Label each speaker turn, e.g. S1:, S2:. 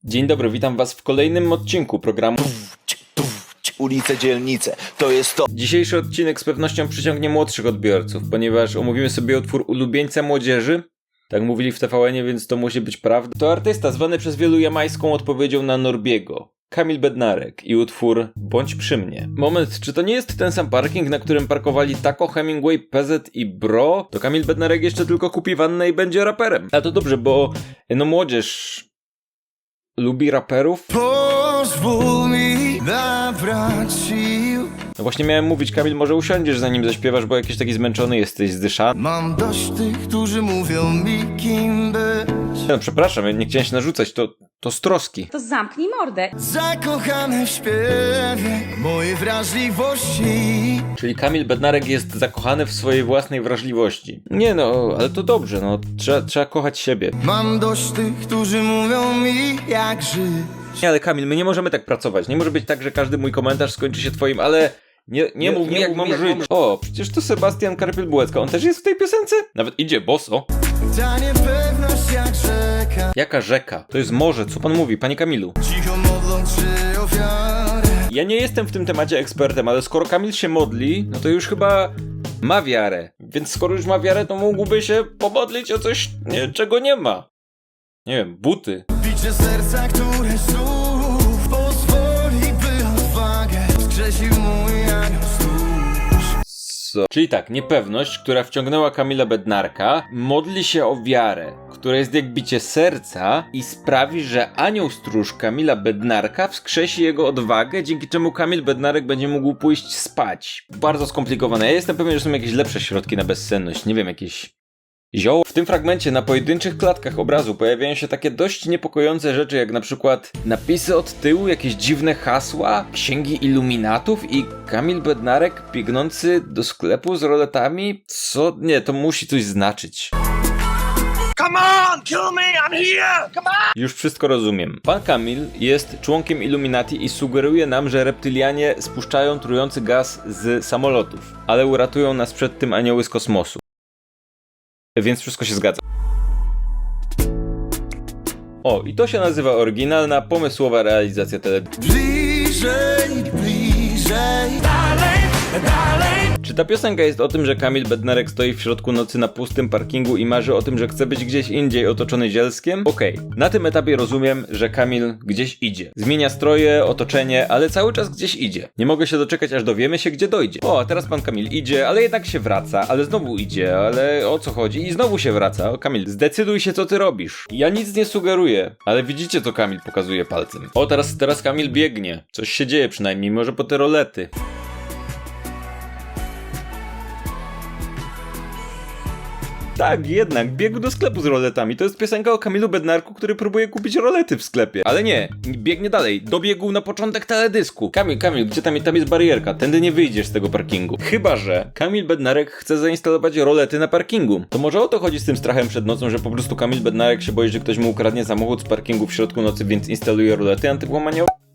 S1: Dzień dobry, witam was w kolejnym odcinku programu
S2: Ulice, dzielnice, to jest to.
S1: Dzisiejszy odcinek z pewnością przyciągnie młodszych odbiorców, ponieważ omówimy sobie utwór ulubieńca młodzieży. Tak mówili w TVN-ie, więc to musi być prawda. To artysta zwany przez wielu jamańską odpowiedzią na Norbiego, Kamil Bednarek i utwór Bądź przy mnie. Moment, czy to nie jest ten sam parking, na którym parkowali Taco, Hemingway, PZ i Bro? To Kamil Bednarek jeszcze tylko kupi wannę i będzie raperem. A to dobrze, bo młodzież lubi raperów.
S3: Pozwól mi nabrać sił.
S1: No właśnie miałem mówić, Kamil, może usiądziesz zanim zaśpiewasz, bo jakiś taki zmęczony jesteś, zdyszany.
S3: Mam dość tych, którzy mówią mi kim być.
S1: No przepraszam, ja nie chciałem się narzucać, to z troski.
S4: To zamknij mordę.
S3: Zakochany w śpiewie mojej wrażliwości.
S1: Czyli Kamil Bednarek jest zakochany w swojej własnej wrażliwości. Nie no, ale to dobrze, no trzeba kochać siebie.
S3: Mam dość tych, którzy mówią mi jak żyć.
S1: Nie, ale Kamil, my nie możemy tak pracować. Nie może być tak, że każdy mój komentarz skończy się twoim, ale nie mów mi jak mam żyć. O, przecież to Sebastian Karpiel-Bułecka, on też jest w tej piosence? Nawet idzie boso.
S3: Ta niepewność jak rzeka.
S1: Jaka rzeka? To jest morze, co pan mówi, panie Kamilu?
S3: Cicho modląc się ofiarę.
S1: Ja nie jestem w tym temacie ekspertem, ale skoro Kamil się modli, no to już chyba ma wiarę. Więc skoro już ma wiarę, to mógłby się pomodlić o coś, czego nie ma. Nie wiem, buty.
S3: Bicie serca, które znów pozwoli, by odwagę wskrzesił mój anioł stróż.
S1: Co? Czyli tak, niepewność, która wciągnęła Kamila Bednarka, modli się o wiarę, która jest jak bicie serca i sprawi, że anioł stróż Kamila Bednarka wskrzesi jego odwagę, dzięki czemu Kamil Bednarek będzie mógł pójść spać. Bardzo skomplikowane. Ja jestem pewien, że są jakieś lepsze środki na bezsenność. Nie wiem, jakieś zioło. W tym fragmencie na pojedynczych klatkach obrazu pojawiają się takie dość niepokojące rzeczy, jak na przykład napisy od tyłu, jakieś dziwne hasła, księgi iluminatów i Kamil Bednarek biegnący do sklepu z roletami. Co? Nie, to musi coś znaczyć.
S3: Come on, kill me, I'm here! Come on!
S1: Już wszystko rozumiem. Pan Kamil jest członkiem Illuminati i sugeruje nam, że reptylianie spuszczają trujący gaz z samolotów, ale uratują nas przed tym anioły z kosmosu. Więc wszystko się zgadza. O, i to się nazywa oryginalna, pomysłowa realizacja teledysku.
S3: Bliżej, bliżej, dalej, dalej.
S1: Czy ta piosenka jest o tym, że Kamil Bednarek stoi w środku nocy na pustym parkingu i marzy o tym, że chce być gdzieś indziej otoczony zielskiem? Okej. Na tym etapie rozumiem, że Kamil gdzieś idzie. Zmienia stroje, otoczenie, ale cały czas gdzieś idzie. Nie mogę się doczekać, aż dowiemy się, gdzie dojdzie. O, a teraz pan Kamil idzie, ale jednak się wraca, ale znowu idzie, ale o co chodzi? I znowu się wraca. O, Kamil, zdecyduj się, co ty robisz. Ja nic nie sugeruję, ale widzicie, co Kamil pokazuje palcem. O, teraz Kamil biegnie. Coś się dzieje przynajmniej, może po te rolety. Tak, jednak, biegł do sklepu z roletami. To jest piosenka o Kamilu Bednarku, który próbuje kupić rolety w sklepie. Ale nie, biegnie dalej. Dobiegł na początek teledysku. Kamil, gdzie tam jest barierka? Tędy nie wyjdziesz z tego parkingu. Chyba że Kamil Bednarek chce zainstalować rolety na parkingu. To może o to chodzi z tym strachem przed nocą, że po prostu Kamil Bednarek się boi, że ktoś mu ukradnie samochód z parkingu w środku nocy, więc instaluje rolety antywłamaniowe?